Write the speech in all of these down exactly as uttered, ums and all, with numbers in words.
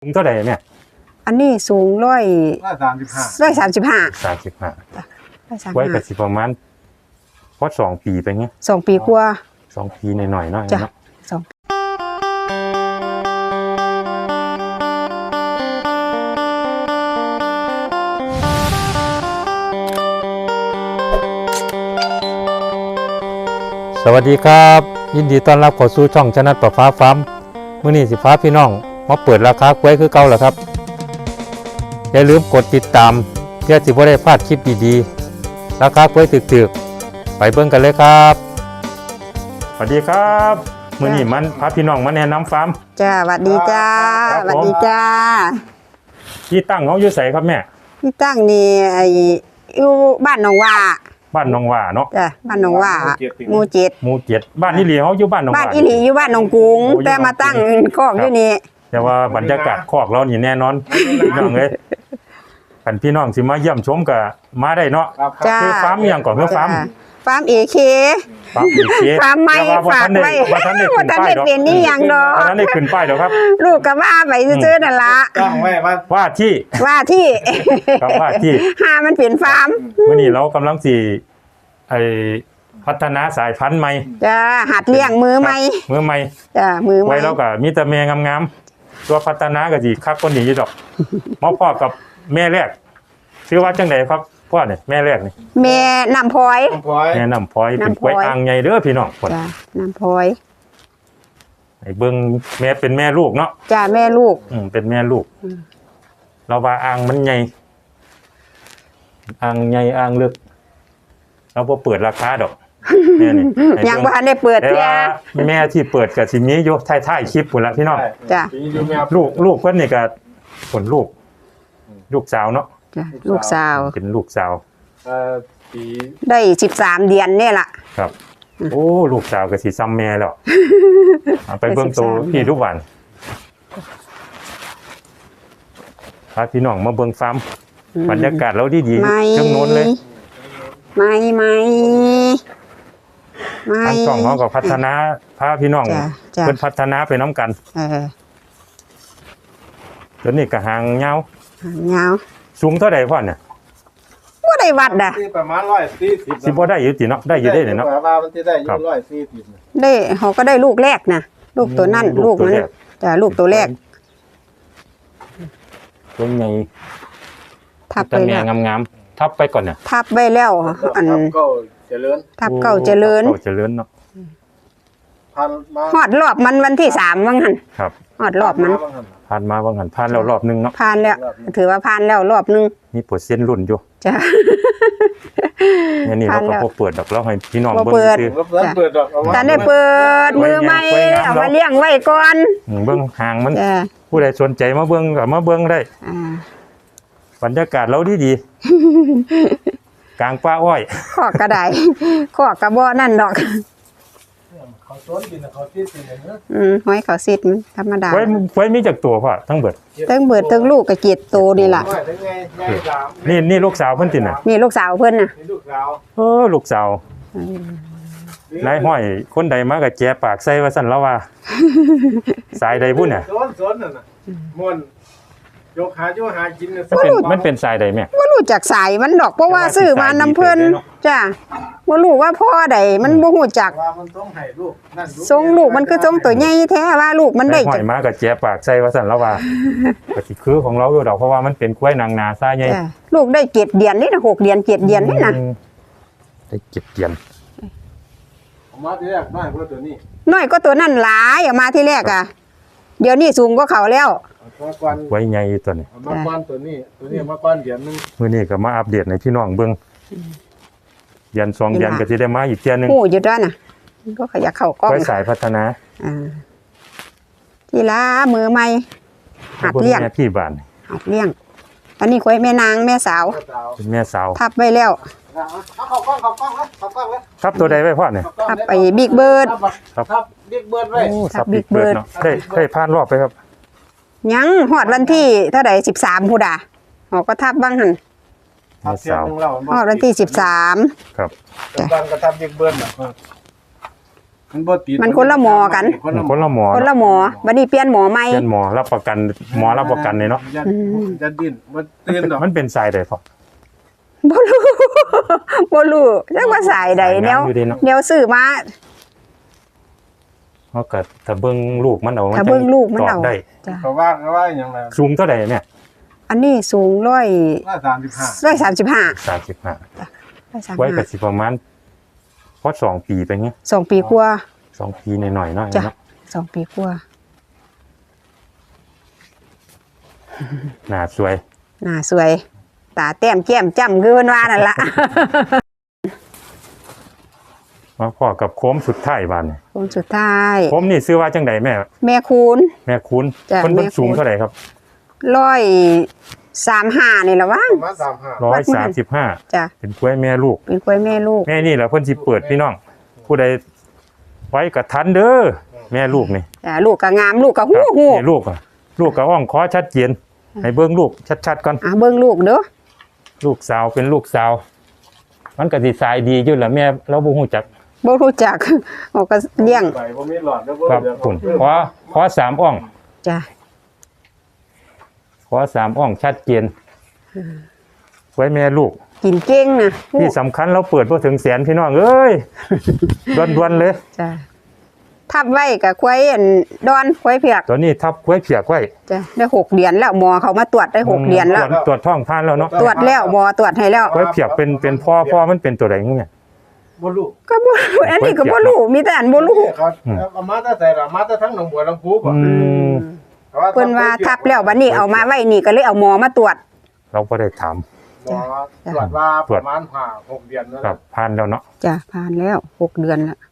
สูงเท่าไหร่เนี่ยอันนี้สูงร้อยร้อยสามสิบห้าร้อยสามสิบห้าสามสิบห้าร้อยสามสิบห้าไว้กับสิประมาณพอสองปีไปเงี้ยสองปีกว่าสองปีหน่อยๆเนาะจ้ะสองสวัสดีครับยินดีต้อนรับเข้าสู่ช่องชนะประฟ้าฟาร์มมื้อนี้สิพาพี่น้องมาเปิดราคากล้วยคือเก่าแล้วครับอย่าลืมกดติดตามเพื่อสิบ่ได้พลาดคลิปดีๆราคากล้วยถึกๆไปเบิ่งกันเลยครับสวัสดีครับมื้อนี้มันพาพี่น้องมาแนะนำฟาร์มจ้าสวัสดีจ้าสวัสดีจ้าที่ตั้งเขาอยู่ไสครับแม่ที่ตั้งนี่ไอ้อยู่บ้านหนองว่าบ้านหนองว่าเนาะจ้ะบ้านหนองว่าหมู่เจ็ดหมู่เจ็ดบ้านอีหลีเขาอยู่บ้านหนองว่าบ้านอีหลีอยู่บ้านหนองกรุงแต่มาตั้งคอกอยู่นี่แต่ว่าบรรยากาศคอกเรานี่แน่นอนพี่น้องเอ้ยคันพี่น้องสิมาเยี่ยมชมก็มาได้เนาะคือฟาร์มอีหยังก่อนคือฟาร์มฟาร์ม เอ เคฟาร์ม เอ เคฟาร์มใหม่ฝากไว้บ่ทันได้ขึ้นป้ายดอกเป็นนี่หยังดอกบ่ทันได้ขึ้นป้ายดอกครับลูกก็ว่าไปซื่อๆนั่นล่ะต้องไว้ว่าว่าที่ว่าที่ครับว่าที่หามันเป็นฟาร์มมื้อนี้เรากำลังสิไอ้พัฒนาสายพันธุ์ใหม่จ้าหัดเลี้ยงมือใหม่มือใหม่จ้ามือใหม่ไว้แล้วก็มีแต่แม่งามๆตัวพัฒนาก็สิคักกว่านี้อยู่ดอกมาพ่อกับแม่แรกชื่อว่าจังได๋ครับพ่อเนี่ยแม่แรกนี่แม่น้ำพลอยแม่น้ำพลอยเป็นกล้วยอ่างใหญ่เด้อพี่น้องจ้าน้ำพลอยไอ้เบิ่งแม่เป็นแม่ลูกเนาะจ้าแม่ลูกอืมเป็นแม่ลูกเราว่าอ่างมันใหญ่อ่างใหญ่อ่างลึกเราบ่เปิดราคาดอกแม่นี่ยังบ่ทันได้เปิดเที่ยแม่ที่เปิดก็สิมีอยู่ท้ายๆคลิปพุ่นล่ะพี่น้องจ้าลูกลูกเพิ่นนี่ก็ผลลูกลูกสาวเนาะจ้ะลูกสาวเป็นลูกสาวเอ่อปีได้สิบสามเดือนนี่ล่ะครับโอ้ลูกสาวก็สิซ้ำแม่แล้วไปเบิ่งโตพี่ทุกวันพาพี่น้องมาเบิ่งฟาร์มบรรยากาศเราดีๆจังโน้นเลยไม่ไม่ไม่ทางช่องเขาก็พัฒนาพาพี่น้องเพิ่นพัฒนาไปน้ำกันเออแล้วนี่ก็หางยาวหางยาวสูงเท่าใดพ่อเนี่ยบ่ได้วัดอ่ะประมาณร้อยสี่สิบสิบ่ได้อยู่ติเนาะได้อยู่ได้เนาะว่ามันสิได้อยู่ร้อยสี่สิบได้เขาก็ได้ลูกแรกนะลูกตัวนั่นลูกมันจ้ะลูกตัวแรกตัวใหญ่ทับไปแล้วงามๆทับไปก่อนเนี่ยทับไว้แล้วอันเก้าเจริญทับเก้าเจริญเก้าเจริญเนาะพันมาฮอดรอบมันวันที่สามว่างั้นครับฮอดรอบมันผ่านมาว่างั้นผ่านแล้วรอบนึงเนาะผ่านแล้วถือว่าผ่านแล้วรอบนึงมีเปอร์เซ็นต์รุ่นอยู่จ้ะเนี่ยนี่เราก็บ่เปิดดอกแล้วให้พี่น้องเบิ่งซื่อเปิดดอกแต่ได้เปิดมือใหม่เอามาเลี้ยงไว้ก่อนเบิ่งห่างมันผู้ใดสนใจมาเบิ่งก็มาเบิ่งได้อ่าบรรยากาศเราดีๆกลางป่าอ้อยขอกกระไดขอกกระบ่นั่นดอกเขาต้นกินเขาซีดกินเนาะอืมหอยเขาซีดมันธรรมดาไว้ไว้มีจักตัวพ่อทั้งเบิดทั้งเบิดทั้งลูกก็เจ็ดตัวนี่ล่ะนี่นี่ลูกสาวเพิ่นติน่ะนี่ลูกสาวเพิ่นน่ะนี่ลูกสาวเออลูกสาวนายห้อยคนใดมาก็แจปากใส่ว่าซั่นแล้วว่าสายใดพุ่นน่ะสนๆนั่นน่ะม่วนยกหาอยู่หากินน่ะมันเป็นมันเป็นสายใดแม่บ่รู้จักสายมันดอกเพราะว่าซื้อมานำเพิ่นจ้ะบ่รู้ว่าพ่อใดมันบ่ฮู้จักว่ามันต้องให้ลูกนั่นทรงลูกมันคือทรงตัวใหญ่แท้ว่าลูกมันได้ห้อยมาก็แจปากใส่ว่าซั่นแล้วว่าก็สิคือของเราอยู่ดอกเพราะว่ามันเป็นกล้วยนางนาซาใหญ่ลูกได้เจ็ดเดือนนี่น่ะหกเดือนเจ็ดเดือนนี่น่ะได้เจ็ดเดือนมาที่แรกน้อยกว่าตัวนี้น้อยก็ตัวนั้นหลายออกมาที่แรกอ่ะเดี๋ยวนี้สูงกว่าเขาแล้วไว้ใหญ่ตัวนี้มาก้อนตัวนี้ตัวนี้มาก้อนเดือนนึงมื้อนี้ก็มาอัปเดตให้พี่น้องเบิ่งเดือนสองเดือนก็สิได้มาอีกเทื่อนึงโอ้อยู่ด้วยน่ะก็ขยักเข้ากล้องไว้สายพัฒนาอ่าทีละมือใหม่หัดเลี้ยงพี่บ้านหัดเลี้ยงอันนี้คุยแม่นางแม่สาวเป็นแม่สาวทับไว้แล้วเอาเข้ากล้องเข้ากล้องแล้วเข้ากล้องแล้วทับตัวใดไว้พ่อเนี่ยทับไปบิ๊กเบิร์ดครับบิ๊กเบิร์ดไว้ทับบิ๊กเบิร์ดเนาะได้ได้ผ่านรอบไปครับยังหอดวันที่เท่าไหร่สิบสามพูดอ่ะอ๋อก็ทับบ้างหันหอดวันที่สิบสามครับตอนกระทับบิ๊กเบิร์ดน่ะมันบ่ติดมันคนละหมอกันคนละคนละหมอคนละหมอบัดนี้เปลี่ยนหมอใหม่เป็นหมอรับประกันหมอรับประกันเลยเนาะยัดยัดดิ้นมันตื่นดอกมันเป็นสายใดพอบ่รู้ บ่รู้จักว่าสายใดแนวสายน้ำอยู่ดีเนาะแนวซื้อมาเฮาก็ถ้าเบิ่งลูกมันเอาถ้าเบิ่งลูกมันตเอาอบได้จ้ะก็ว่าก็ว่าอย่างไรสูงเท่าใดแม่อันนี้สูงร้อยว่าสามสิบห้าร้อยสามสิบห้าสามสิบห้าร้อยสามสิบไว้ก็ห้าสิประมาณพอสองปีไปเงี้ยสองปีกว่าสองปีหน่อยๆเนาะจ้ะเนาะสองปีกว่าหน้าสวยหน้าสวย ตาแต้มแก้มจ้ำคือเพิ่นว่านั่นล่ะมาพอกับโค้มสุดท้ายบานนี่คนสุดท้ายโค้มนี่ซื้อว่าจังไดแม่แม่คูณแม่คุณจ้ะเพิ่นเพิ่นแม่คุณสูงเท่าไหร่ครับร้อยสามห้านี่ละว่างประมาณสามห้าร้อยสามสิบห้าจ้ะเป็นกล้วยแม่ลูกเป็นกล้วยแม่ลูกแม่นี่แหละเพิ่นสิเปิดพี่น้อง ผู้ใดไว้กับทันเด้อแม่ลูกนี่จ้ะลูกก็งามลูกก็หู้หู้นี่ลูกอ่ะลูกกับอ่องคอชัดเจนให้เบิ่งลูกชัดๆก่อนอ่ะเบิ่งลูกเด้อลูกสาวเป็นลูกสาว มันก็สิสายดีอยู่แหละแม่เราบ่ฮู้จักบ่รู้จัก เขาก็เลี้ยงไปบ่มีหลอดแล้วบ่ครับเดี๋ยวคุณขอขอสามอ่องจ้ะขอสามอ่องชัดเจนไว้แม่ลูกกินเก่งนะที่สำคัญเราเปิดบ่ถึงแสนพี่น้องเอ้ย ด่วนๆเลยจ้ะทับไว้กับควายอันดอนควายเผือกตัวนี้ทับไว้เพียกไว้จ้ะได้หกเดือนแล้วหมอเขามาตรวจได้หกเดือนแล้วตรจตรวจท้องผ่านแล้วเนาะตรวจแล้วหมอตรวจให้แล้วไว้เพียกเป็นเป็นพ่อพ่อมันเป็นตัวใดงูเนี่ยบ่รู้ก็บ่รู้อันนี้ก็บ่รู้มีแต่อันบ่รู้เขาเอามาแต่ใส่ละมาแต่ทั้งหนองบัวลำพูบ่อืมเพิ่นว่าทับแล้วบัดนี้เอามาไว้นี่ก็เลยเอาหมอมาตรวจเราบ่ได้ถามหมอตรวจว่าประมาณห้าหกเดือนนั่นครับผ่านแล้วเนาะจ้ะผ่านแล้วหกเดือนแล้ว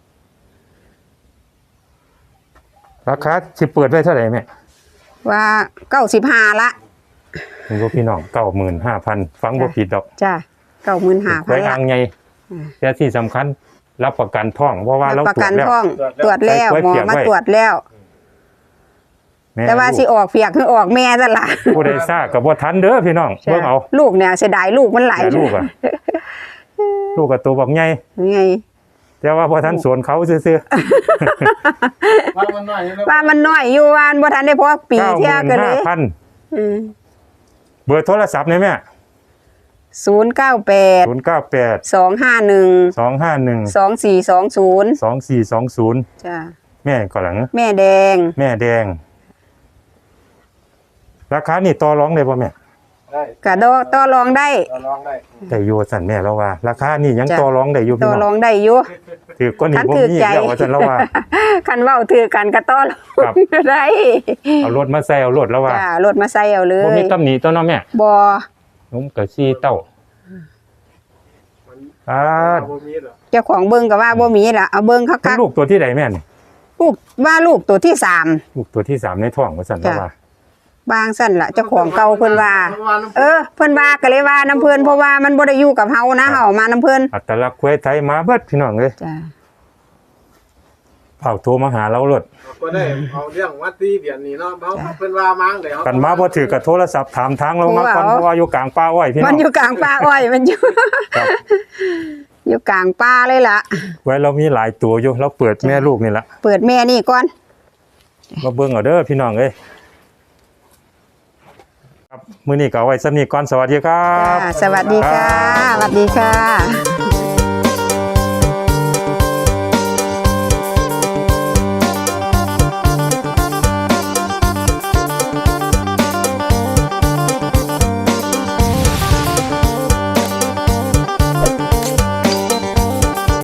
ราคาสิเปิดไว้เท่าไหร่แม่ว่าเก้าสิบห้าละคุณพี่น้อง เก้าหมื่นห้าพัน ฟังบ่ผิดดอกจ้ะเก้าหมื่นห้าพัไว้นละอ่างใหญ่อืมแต่ที่สำคัญรับประกันท้องเพราะว่าเราประตรวกัจนแล้วท้องตรวจแล้วไว้หมอเปียกมาไว้ตรวจแล้วแม่แต่ว่าสิออกเปียกคือออกแม่ซะล่ะผู้ใดซ่าก็บ่ทันเด้อพี่น้องเบิ่งเอาลูกเนี่ยเสียดายลูกมันหลายแต่ลูกอ่ะ ลูกกับตัวบักใหญ่ไงแต่ว่าบ่ทันสวนเขาซื่อว่ามันน้อยนี่แล้วว่ามันน้อยอยู่วานบ่ทันได้พอปีๆเที่ยกันเลยเก้าหมื่นห้าพันอืมเบอร์โทรศัพท์นี่แม่ศูนย์เก้าแปดศูนย์เก้าแปดสองห้าหนึ่งสองห้าหนึ่งสองสี่สองศูนย์สองสี่สองศูนย์จ้ะแม่ก็หลังแม่แดงแม่แดง ราคานี่ต่อรองได้บ่แม่ได้กะดอต่อรองได้เราลองได้ได้อยู่สั่นแม่แล้วว่า ราคานี่ยังจ้ะต่อรองได้อยู่ต่พี่อน้รออง งได้อยู่ถือก็นี่คันบ่ถือมีใจแล้วว่าสั่นแล้วว่าคันเว้าถือกันก็ต่อรครัอบ งได้เอารถมาใส่เอารถแล้วว่าจ้ะรถมาใส่เอาเลบ่ยมีตำหนิตัวเนาะแม่บ่นุ่มกับซีเต้ามันอ่าบ่มีหรอกเจ้าของเบิ่งก็ว่าบ่มีล่ะเอาเบิ่งคัทั้กงลูกตัวที่ใดแม่นี่ๆลูกว่าลูกตัวที่สามลูกตัวที่สามในท้องว่าสั่นแล้วจ้ะว่าบางสั่นล่ะเจ้าของเก่าเพิ่นว่า เออเพิ่นว่าก็เลยว่าน้ำเพิ่นเพราะว่ามันบ่ได้อยู่กับเฮานะเฮามาน้ำเพิ่นอัตลักษณ์ควายไทยมาเบิดพี่น้องเอ้ยจ้ะเผาโทรมาหาเรารถก็ได้เอาเรื่องวัดตีเดือนนี้เนาะเขาเพิ่นว่ามั้งเดี๋ยวกันมาบ่ถือกับโทรศัพท์ถามทางเรามาก่อนเพราะว่าอยู่กลางป่าอ้อยพี่น้มัอน งอยู่กลางป่าอ้อยมันอยู่ครับอยู่กลางป่าเลยล่ะไว้เรามีหลายตัวอยู่เราเปิดแม่ลูกนี่ละเปิดแม่นี่ก่อนมาเบิ่งเอาเด้อพี่น้องเอ้ยครับมื้อนี้ก็เอาไว้ซ้ำนี้ก่อนสวัสดีครับจ้าสวัสดีค่ะสวัสดีค่ะ